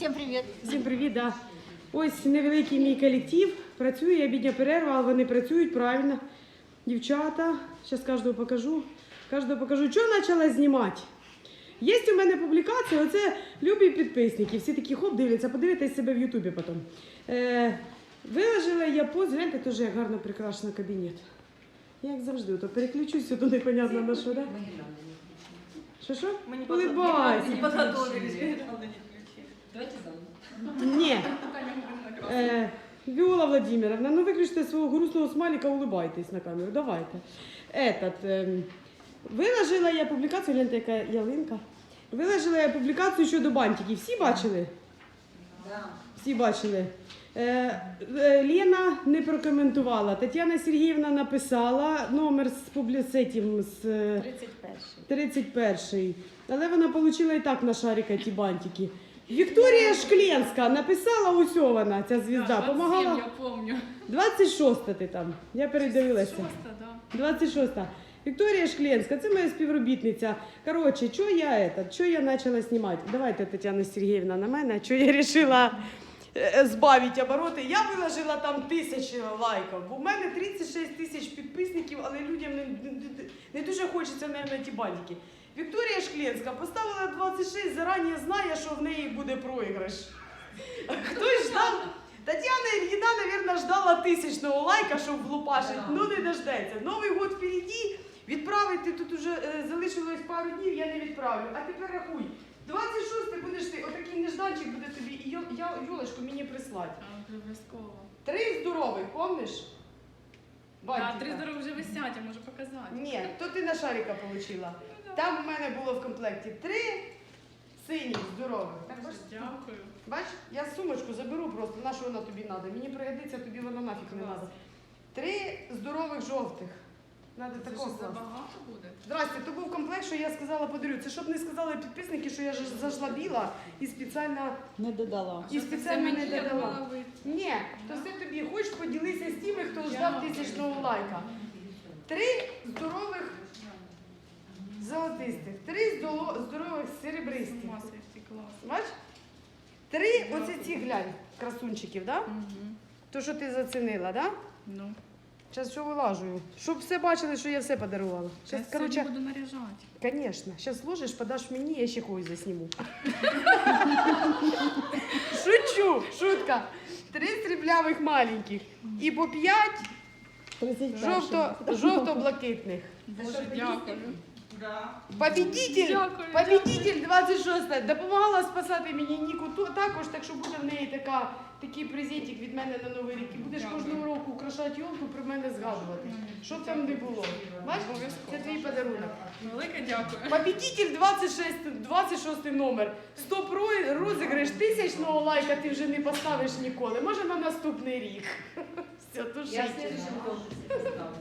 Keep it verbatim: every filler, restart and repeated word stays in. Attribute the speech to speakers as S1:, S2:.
S1: Всім привіт!
S2: Всім привіт, да. Ось невеликий мій колектив. Працює, обідня перерва, але вони працюють правильно. Дівчата, зараз кожного покажу. Кожного покажу, що почала знімати. Є у мене публікація, оце любі підписники. Всі такі хоп, дивляться, подивитесь себе в Ютубі потім. Е, виложила я пост, гляньте, теж як гарно прикрашено кабінет. Як завжди, то переключусь, то непонятно на що, да? Що-що? Улыбайся.
S3: Не подготовились, гирлянды не включили.
S1: Давайте заново.
S2: Ні. Е, Віола Владимировна, ну виключте свого грустного смайлика, улыбайтесь на камеру, давайте. Этот, е, виложила я публікацію, гляньте, яка ялинка. Виложила я публікацію щодо бантиків. Всі бачили?
S1: Да.
S2: Всі бачили. Е, е, Лена не прокоментувала. Тетяна Сергіївна написала номер з публіцетів з е,
S1: тридцять перший.
S2: тридцять перший. Але вона отримала і так на шарика ті бантики. Вікторія Шкленська написала, ось вона, ця звізда, помагала.
S3: Я помню.
S2: двадцять шоста ти там, я передивилася.
S3: Шоста, да.
S2: двадцять шоста. Вікторія Шкленська, це моя співробітниця. Коротше, що я этот, що я почала знімати? Давайте, Тетяна Сергіївна, на мене, що я вирішила збавити обороти. Я виложила там тисячі лайків, бо в мене тридцять шість тисяч підписників, але людям не, не, не дуже хочеться, мабуть, ті бантики. Вікторія Шкленська поставила двадцять шість, зарані знає, що в неї буде проіграш. Хтось ждав, Тетяна Ільїна, мабуть, ждала тисячного лайка, щоб влупашити, ну не дождеться. Новий год впереді, відправити тут уже е, залишилось пару днів, я не відправлю. А тепер рахуй, двадцять шостий будеш ти, отакий нежданчик буде тобі, і йо- я Юлечку мені прислати.
S3: А, обов'язково.
S2: Три здорових, помниш?
S3: А,
S2: Бантика.
S3: три здорові вже висять, я можу показати.
S2: Ні, то ти на шарика отримала. Там в мене було в комплекті три синіх здорових. Так, бачиш?
S3: Дякую.
S2: Бач, я сумочку заберу просто, на що вона тобі треба. Мені пригодиться, тобі вона нафіг не треба. Три здорових жовтих. Надо
S3: Це
S2: такого
S3: що,
S2: класу.
S3: забагато буде?
S2: Здрасте, то був комплект, що я сказала подарю. Це щоб не сказали підписники, що я ж зажлобіла і спеціально,
S1: Не додала.
S2: і
S3: Що це
S2: спеціально
S3: все
S2: не
S3: мені, я
S2: додала.
S3: думала, ви-
S2: Ні, то все тобі. Хочеш поділися з тими, хто ждав
S3: Дякую.
S2: тисячного лайка. Три здорових золотистих, три здоло- здорових
S3: З
S2: серебристих.
S3: ума сойти, клас.
S2: Бач? Три оці ці глянь, красунчиків, да?
S3: Угу.
S2: То, що ти зацінила, да?
S3: Ну,
S2: Зараз що вилажую. Щоб все бачили, що я все подарувала.
S3: я
S2: Зараз,
S3: сьогодні
S2: коротше,
S3: буду наряжати.
S2: звісно. Зараз зложиш, подаш мені, я ще когось засніму. Шучу, шутка. Три сріблявих маленьких. І по п'ять жовто, жовто-блакитних.
S3: Боже, дякую.
S2: Победитель,
S3: Дякую,
S2: победитель двадцять шостого допомагала спасати мені Ніку ту- також, так що буде в неї така, такий презентик від мене на Новий рік. І будеш
S3: Дякую.
S2: кожного року украшати йолку, про мене згадувати. Що б там не було. Бачиш, це твій подарунок.
S3: Велике дякую.
S2: Победитель двадцять шостий, двадцять шостий номер. Стоп розіграш тисячного лайка ти вже не поставиш ніколи. Може на наступний рік. Все, тушить.